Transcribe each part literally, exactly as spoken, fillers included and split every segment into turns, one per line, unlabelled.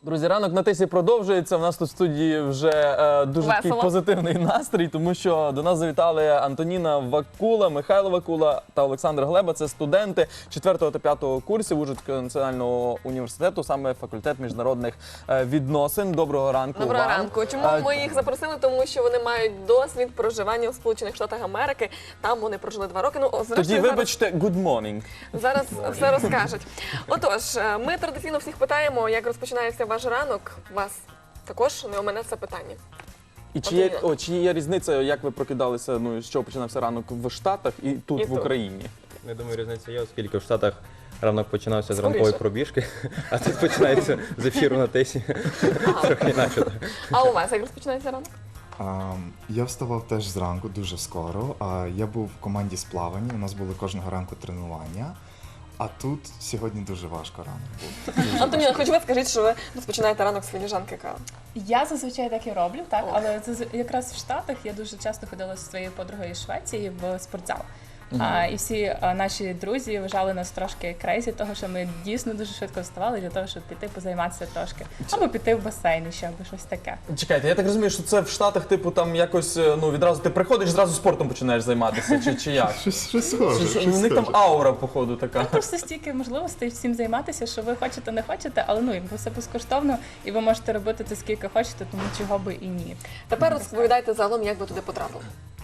Друзі, ранок на тисі продовжується. У нас тут в студії вже е, дуже такий
Весело.
позитивний настрій, тому що до нас завітали Антоніна Вакула, Михайло Вакула та Олександр Глеба. Це студенти четвертого та п'ятого курсів Ужгородського національного університету, саме факультет міжнародних е, відносин. Доброго ранку.
Доброго
вам.
ранку. Чому
А,
ми їх запросили? Тому що вони мають досвід проживання у Сполучених Штатах Америки. Там вони прожили два роки. Ну,
Тоді
зрештою, зараз,
вибачте, good morning.
зараз все розкажуть. Отож, ми традиційно всіх питаємо, як розпочинається ваш ранок. Вас також не омине це питання.
І чи є,
Антоніна.
о, чи є різниця, як ви прокидалися, ну, з чого починався ранок в Штатах і тут,
І
в
тут.
Україні?
Я думаю, різниця є, оскільки в Штатах ранок починався з
Скоріше.
ранкової пробіжки, а тут починається з ефіру на тисі. Трохи інакше.
А у вас як розпочинається ранок?
А, я вставав теж зранку, дуже скоро. А, я був в команді з плавання, у нас були кожного ранку тренування. А тут сьогодні дуже важко ранок був.
Антоніна, хоч ви скажіть, що ви розпочинаєте ранок з філіжанки кави.
Я зазвичай так і роблю, так,
О.
але це з- якраз в Штатах я дуже часто ходила зі своєю подругою з Швеції в спортзал. А, і всі а, наші друзі вважали нас трошки крейзі, того що ми дійсно дуже швидко вставали для того, щоб піти позайматися трошки. Або піти в басейн ще, або щось таке.
Чекайте, я так розумію, що це в Штатах, типу, там якось, е, ну, відразу ти приходиш, зразу спортом починаєш займатися, чи, чи як?
Щось, щось
Чи-
схоже,
чи-
щось
У них там
схоже.
аура, походу, така.
Просто стільки можливостей всім займатися, що ви хочете, не хочете, але ну, якби все безкоштовно, і ви можете робити це скільки хочете, тому чого би і ні.
Тепер розповідайте загалом, як ви туди потрапили.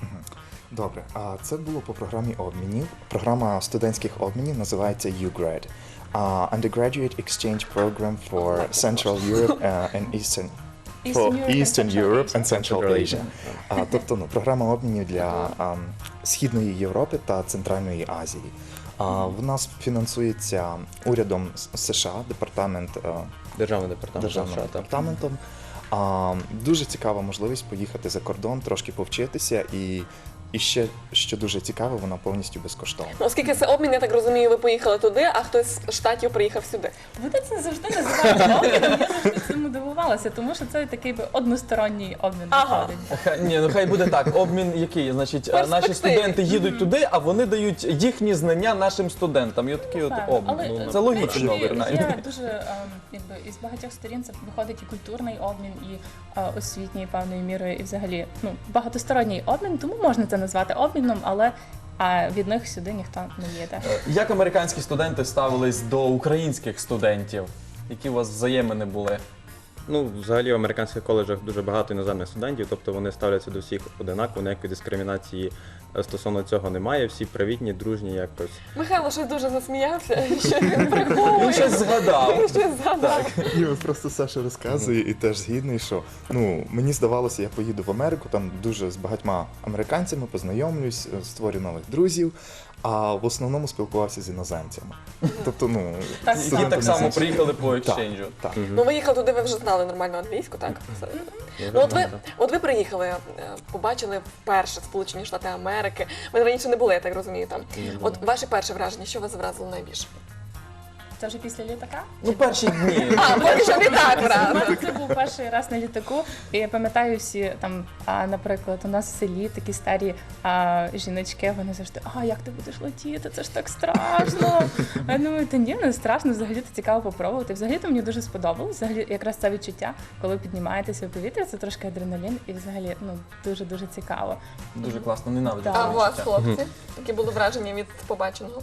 Добре, а це було по програмі обмінів. Програма студентських обмінів називається ю гред. А, Undergraduate Exchange Program for Central Europe uh, and Eastern
Eastern
for
Europe and
Eastern
Central
Europe
Asia.
and Central
Central
Asia. А, тобто, ну, програма обмінів для а, Східної Європи та Центральної Азії. А, в нас фінансується урядом С- США, департамент а,
Державний департамент
державним
США, так.
департаментом. А, дуже цікава можливість поїхати за кордон, трошки повчитися, і, і ще, що дуже цікаво, вона повністю безкоштовна.
Ну, оскільки це обмін, я так розумію, ви поїхали туди, а хтось з штатів приїхав сюди.
Вони це завжди називають обміном, я завжди цьому дивувалася, тому що це такий би односторонній обмін
Ага.
виходить.
Хай- Ні, ну хай буде так. Обмін який? Значить, е, наші
Перспективі.
студенти їдуть туди, а вони дають їхні знання нашим студентам. І от такий от
Напевно.
обмін.
Але,
Ну,
е,
це
в
логічно,
принципі,
принаймні.
Є дуже ем, якби із багатьох сторін це виходить і культурний обмін, і е, освітній певною мірою, і взагалі ну багатосторонній обмін, тому можна це назвати обміном, але а від них сюди ніхто не їде.
Як американські студенти ставились до українських студентів? Які у вас взаємини були?
Ну, взагалі в американських коледжах дуже багато іноземних студентів, тобто вони ставляться до всіх одинаково, ніякої дискримінації е, стосовно цього немає, всі привітні, дружні якось.
Михайло щось дуже засміявся, що він
Він
приховує.
щось згадав.
Він щось згадав.
Ні, от просто Саша розказує і теж згідний, що ну мені здавалося, я поїду в Америку, там дуже з багатьма американцями познайомлюсь, е, створю нових друзів, а в основному спілкувався з іноземцями. Тобто, ну
Так,
Які
студентам
так само
іноземцям.
приїхали по
Так,
екшенджу.
так.
Ну, ви їхали туди, ви вже знали нормально англійську, так? Все. Ну, от ви, от ви приїхали, е, побачили вперше Сполучені Штати Америки. Ви раніше не були, я так розумію, там. От ваші перші враження, що вас вразило найбільше?
Це вже після літака?
Ну, перші дні.
А, поки що не так,
У
правда.
мене це був перший раз на літаку, і я пам'ятаю всі там, а, наприклад, у нас в селі такі старі а, жіночки, вони завжди, а як ти будеш летіти, це ж так страшно. А я думаю, та ні, не страшно, взагалі це цікаво попробувати. Взагалі то мені дуже сподобалось, взагалі якраз це відчуття, коли піднімаєтеся в повітря, це трошки адреналін, і взагалі ну дуже-дуже цікаво.
Дуже класно, ненавиджу.
Так.
А
це
у вас,
відчуття.
хлопці, які були враження від побаченого?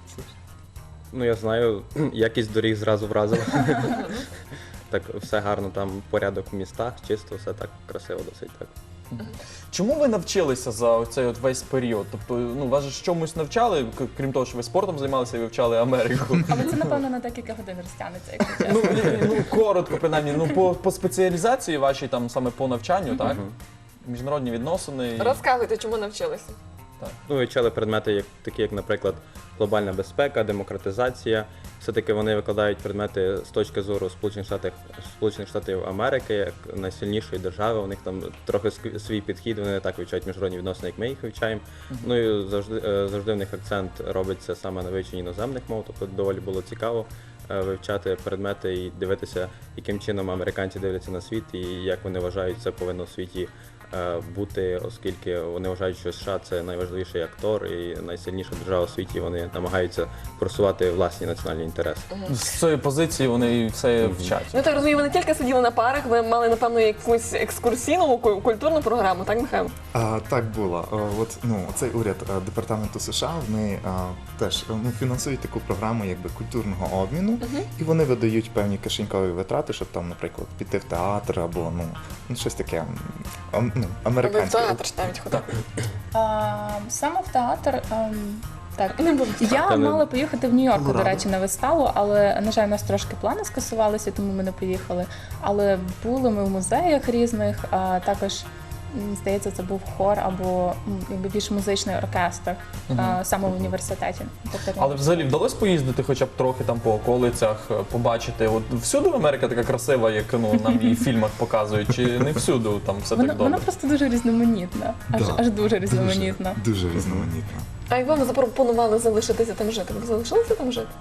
Ну, я знаю, якість доріг зразу вразила. Так, все гарно, там порядок в містах, чисто, все так красиво досить так.
Чому ви навчилися за цей от весь період? Тобто, ну, вас же ж чомусь навчали, к- крім того, що ви спортом займалися і вивчали Америку.
Але це, напевно, на декілька годин розтягнеться, якщо
Ну,
чесно.
і- ну, коротко, принаймні, ну, по, по спеціалізації вашій, там, саме по навчанню, так? Міжнародні відносини. і-
Розказуйте, чому навчилися?
Ну, вивчали предмети, як, такі як, наприклад, глобальна безпека, демократизація. Все-таки вони викладають предмети з точки зору Сполучених Штатів, Сполучених Штатів Америки, як найсильнішої держави. У них там трохи ск- свій підхід, вони не так вивчають міжнародні відносини, як ми їх вивчаємо. Ну і завжди, е, завжди в них акцент робиться саме на вивченні іноземних мов, тобто доволі було цікаво е, вивчати предмети і дивитися, яким чином американці дивляться на світ і як вони вважають, це повинно в світі е, бути, оскільки вони вважають, що США це найважливіший актор і найсильніша держава у світі. Вони намагаються просувати власні національні інтереси.
З цієї позиції вони і все вчать.
Ну так розумію, ви не тільки сиділи на парах, ви мали, напевно, якусь екскурсійну ку- культурну програму, так, Михайло?
А, так було. А, от, ну, цей уряд а, департаменту США вони а, теж ну, фінансують таку програму якби культурного обміну, і вони видають певні кишенькові витрати, щоб там, наприклад, піти в театр або ну, ну щось таке м, ам- ну,
Ви в
американське.
театр ж навіть ходили.
А, саме в театр. ем, так,
Не було.
я
Та не-
мала поїхати в Нью-Йорку, до
Колорадо.
речі, на виставу, але, на жаль, у нас трошки плани скасувалися, тому ми не поїхали. Але були ми в музеях різних, а також, м, здається, це був хор або м, якби більш музичний оркестр а, саме в університеті. Тобто,
Але взагалі вдалося поїздити хоча б трохи там по околицях, е, побачити. От всюди Америка така красива, як ну, нам її в фільмах показують, чи не всюди там все
вона,
так
вона
добре?
просто дуже різноманітна, аж,
Да.
аж дуже різноманітна.
Дуже, дуже різноманітно.
А як вам запропонували залишитися там жити? Ви залишилися там жити?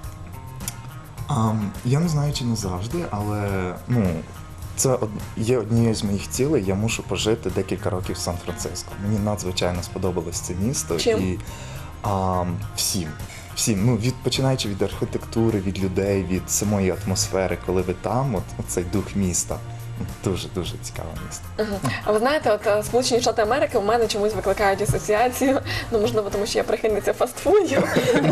Ам, я не знаю, чи не завжди, але ну, це од- є однією з моїх цілей. Я мушу пожити декілька років в Сан-Франциско. Мені надзвичайно сподобалось це місто.
Чим?
І ам, всім. Всім, ну від починаючи від архітектури, від людей, від самої атмосфери, коли ви там, от оцей дух міста. Дуже дуже цікаве місто.
Ага. А ви знаєте, от е, Сполучені Штати Америки у мене чомусь викликають асоціацію, ну можливо, тому що я прихильниця фастфудів.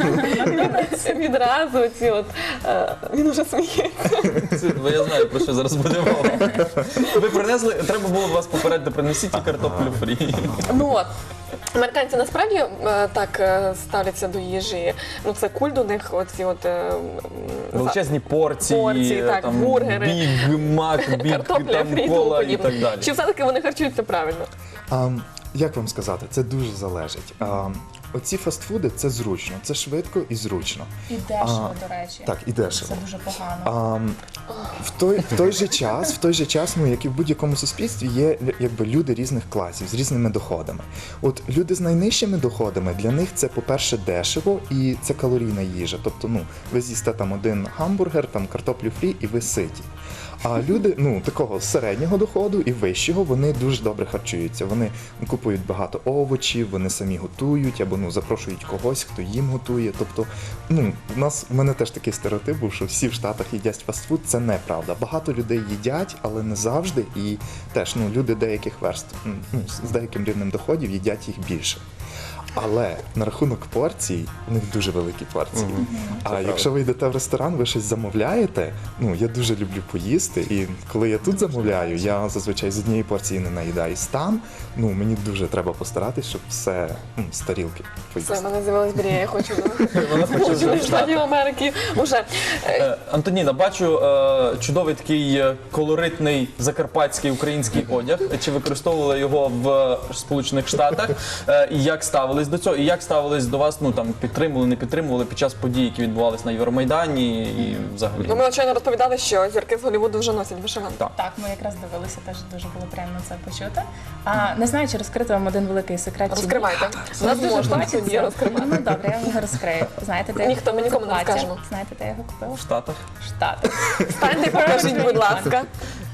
Відразу ці от е, він уже сміється.
Це- бо я знаю, про що зараз буде мова. Ви принесли, треба було вас попередити, принесіть і картоплю фрі.
Ну от. Американці насправді е, так е, ставляться до їжі. Ну це культ у них, оці от е, м,
Величезні порції,
Порції, так,
там,
бургери.
біг, мак, біг,
картопля,
там,
фрі і тому
кола і
подібне.
так далі.
Чи все-таки вони харчуються правильно?
Ам, як вам сказати, це дуже залежить. Ам, оці фастфуди це зручно, це швидко і зручно.
І дешево,
А,
до речі.
Так, і дешево.
Це дуже погано.
Ам, в, той, в той же час, в той же час, ну як і в будь-якому суспільстві, є лю- якби люди різних класів з різними доходами. От люди з найнижчими доходами для них це, по-перше, дешево і це калорійна їжа. Тобто, ну ви з'їсте там один гамбургер, там картоплю фрі, і ви ситі. А люди, ну такого середнього доходу і вищого, вони дуже добре харчуються. Вони купують багато овочів, вони самі готують або ну запрошують когось, хто їм готує. Тобто, ну у нас у мене теж такий стереотип був, що всі в Штатах їдять фастфуд. Це неправда. Багато людей їдять, але не завжди. І теж ну люди деяких верств ну, з деяким рівнем доходів їдять їх більше. Але на рахунок порцій, у них дуже великі порції. А якщо ви йдете в ресторан, ви щось замовляєте. Ну я дуже люблю поїсти, і коли я тут замовляю, я зазвичай з однієї порції не наїдаюсь. Там ну мені дуже треба постаратись, щоб все ну, з тарілки
Все, в
поїсти.
мене з'явилась мрія, я хочу
Вона хоче вже в
Сполучених
Штати.
Штатів Америки. Уже е,
Е, Антоніна, бачу е, чудовий такий е, колоритний закарпатський український одяг. Чи використовували його в Сполучених Штатах? Е, І як ставились до цього? І як ставились до вас? Ну там підтримували, не підтримували під час подій, які відбувалися на Євромайдані і взагалі?
ну, ми щойно розповідали, що зірки з Голлівуду вже носять вишиванки.
Так.
Так, ми якраз дивилися, теж дуже було приємно це почути. А не знаю, чи розкрити вам один великий секрет. чи ні.
Розкривайте.
У
Нас
дуже
можна
хочеться.
тоді розкривати.
Ну добре, я вам його розкрию. Знаєте, де я
Ніхто, ми
купила
нікому не
це плаття?
скажемо.
Знаєте, де я його купила?
В Штатах?
В Штатах.
Станьте, покажіть, будь ласка.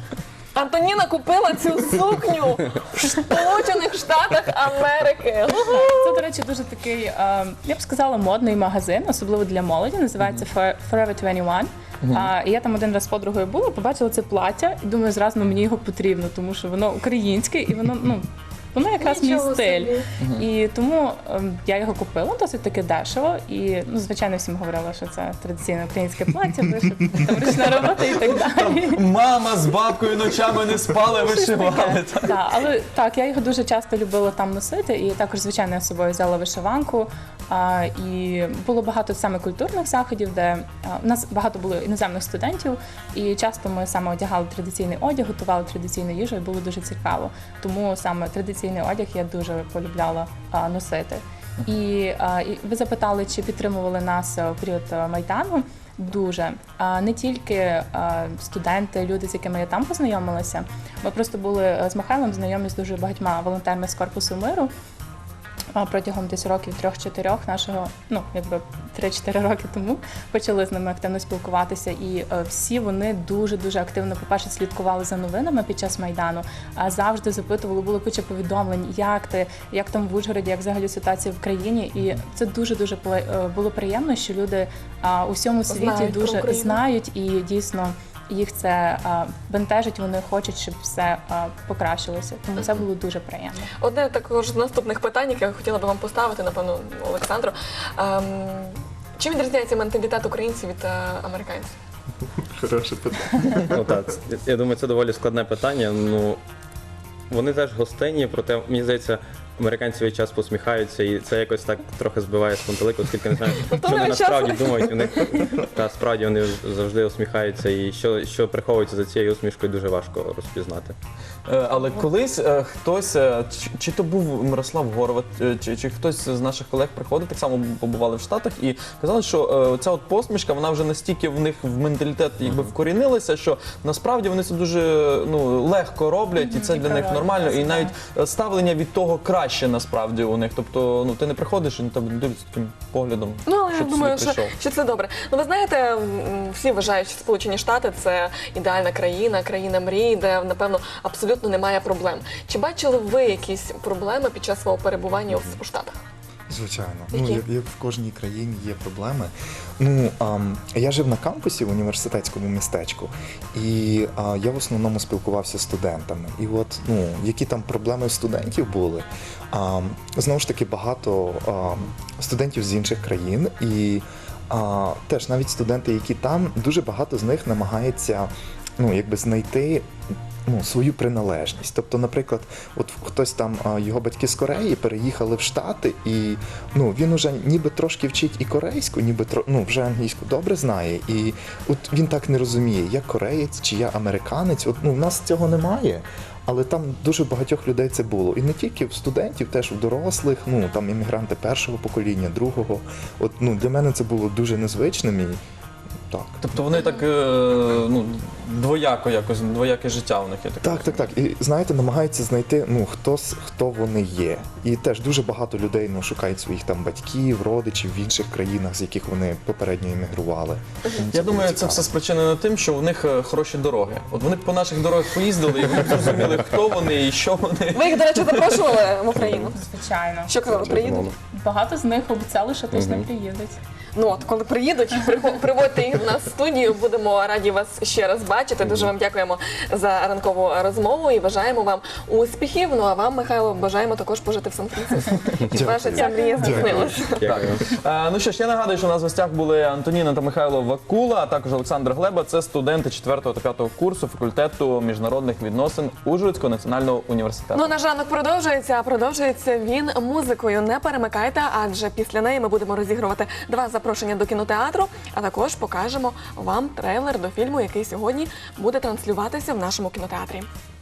Антоніна купила цю сукню в Сполучених Штатах Америки.
Це, до речі, дуже такий, е, я б сказала, модний магазин, особливо для молоді. Називається Forever двадцять один. А, і я там один раз з подругою була, побачила це плаття і думаю, зразу ну, мені його потрібно, тому що воно українське і воно, ну, воно якраз мій
Нічого
стиль.
собі.
І тому ем, я його купила досить таки дешево. І ну, звичайно, всім говорила, що це традиційне українське плаття, вишити, там ручна робота і так далі.
Мама з бабкою ночами не спали, вишивали.
Так, але так, я його дуже часто любила там носити, і також, звичайно, я з собою взяла вишиванку. А, і було багато саме культурних заходів, де а, у нас багато було іноземних студентів, і часто ми саме одягали традиційний одяг, готували традиційну їжу, і було дуже цікаво. Тому саме традиційний одяг я дуже полюбляла а, носити. І, а, і ви запитали, чи підтримували нас а, в період а, Майдану. Дуже. А не тільки а, студенти, люди, з якими я там познайомилася. Ми просто були з Михайлом знайомі з дуже багатьма волонтерами з Корпусу миру. а, протягом десь років трьох-чотирьох нашого, ну якби три-чотири роки тому почали з ними активно спілкуватися, і е, всі вони дуже дуже активно, по-перше, слідкували за новинами під час Майдану, а завжди запитували, було куча повідомлень, як ти, як там в Ужгороді, як взагалі ситуація в країні. І це дуже дуже було приємно, що люди а, у всьому світі
Знають про
дуже
Україну.
знають, і дійсно їх це а, бентежить, вони хочуть, щоб все а, покращилося. Тому це було дуже приємно.
Одне також з наступних питань, яке я хотіла би вам поставити, напевно, Олександру. Ем, чим відрізняється менталітет українців від е, американців?
Хороше питання.
Ну так, це- я думаю, це доволі складне питання. Ну, вони теж гостинні, проте, мені здається, американці весь час посміхаються, і це якось так трохи збиває з пантелику, оскільки не знаю, що вони
весь
насправді
час.
думають. У них та справді вони завжди усміхаються, і що, що приховується за цією усмішкою, дуже важко розпізнати.
Е, Але колись е, хтось, е, чи, чи то був Мирослав Горват, е, чи, чи хтось з наших колег приходив, так само побували в Штатах, і казали, що е, ця от посмішка, вона вже настільки в них в менталітет якби вкорінилася, що насправді вони це дуже ну, легко роблять, і це
І
для них
правильно,
нормально, і
так.
навіть е, ставлення від того краще насправді у них. Тобто, ну ти не приходиш і на тебе дивляться таким поглядом.
Ну, але
що
я
ти
думаю,
сюди
що,
прийшов.
що це добре. Ну, ви знаєте, м, всі вважають, що Сполучені Штати це ідеальна країна, країна мрій, де, напевно, абсолютно немає проблем. Чи бачили ви якісь проблеми під час свого перебування у, у Штатах?
Звичайно,
Які?
ну як, як в кожній країні є проблеми. Ну ам, я жив на кампусі в університетському містечку, і а, я в основному спілкувався з студентами. І от ну які там проблеми в студентів були. А, знову ж таки, багато а, студентів з інших країн, і а, теж навіть студенти, які там, дуже багато з них намагається ну якби знайти. Ну, свою приналежність. Тобто, наприклад, от хтось там, а, його батьки з Кореї переїхали в Штати, і ну, він уже ніби трошки вчить і корейську, ніби тро, ну, вже англійську добре знає. І от він так не розуміє, я кореєць чи я американець. От ну, в нас цього немає. Але там дуже багатьох людей це було. І не тільки в студентів, теж у дорослих, ну там іммігранти першого покоління, другого. От ну для мене це було дуже незвичним. І так.
Тобто вони так е, ну, двояко якось, двояке життя у них є таке.
Так, так, так. І знаєте, намагаються знайти, ну хто с- хто вони є. І теж дуже багато людей ну шукають своїх там батьків, родичів в інших країнах, з яких вони попередньо іммігрували.
Я думаю, це все спричинено тим, що у них е, хороші дороги. От вони б по наших дорогах поїздили, і вони б зрозуміли, хто вони і що вони.
Ви їх, до речі, запрошували в Україну?
Звичайно.
Що казали, приїдуть?
Багато з них обіцяли, що точно приїдуть.
Ну от, коли приїдуть, прихо- приводьте їх до нас в студію. Будемо раді вас ще раз бачити. Дуже вам дякуємо за ранкову розмову і бажаємо вам успіхів. Ну а вам, Михайло, бажаємо також пожити в Сан-Франциско. Щоб ваша ця мрія здійснилася.
Дякую.
Е, ну що ж, я нагадую, що у нас в гостях були Антоніна та Михайло Вакула, а також Олександр Глеба. Це студенти четвертого та п'ятого курсу факультету міжнародних відносин Ужгородського національного університету.
Ну, наш ранок продовжується, а продовжується він музикою. Не перемикайте, адже після неї ми будемо розігрувати два запрошення до кінотеатру, а також покажемо вам трейлер до фільму, який сьогодні буде транслюватися в нашому кінотеатрі.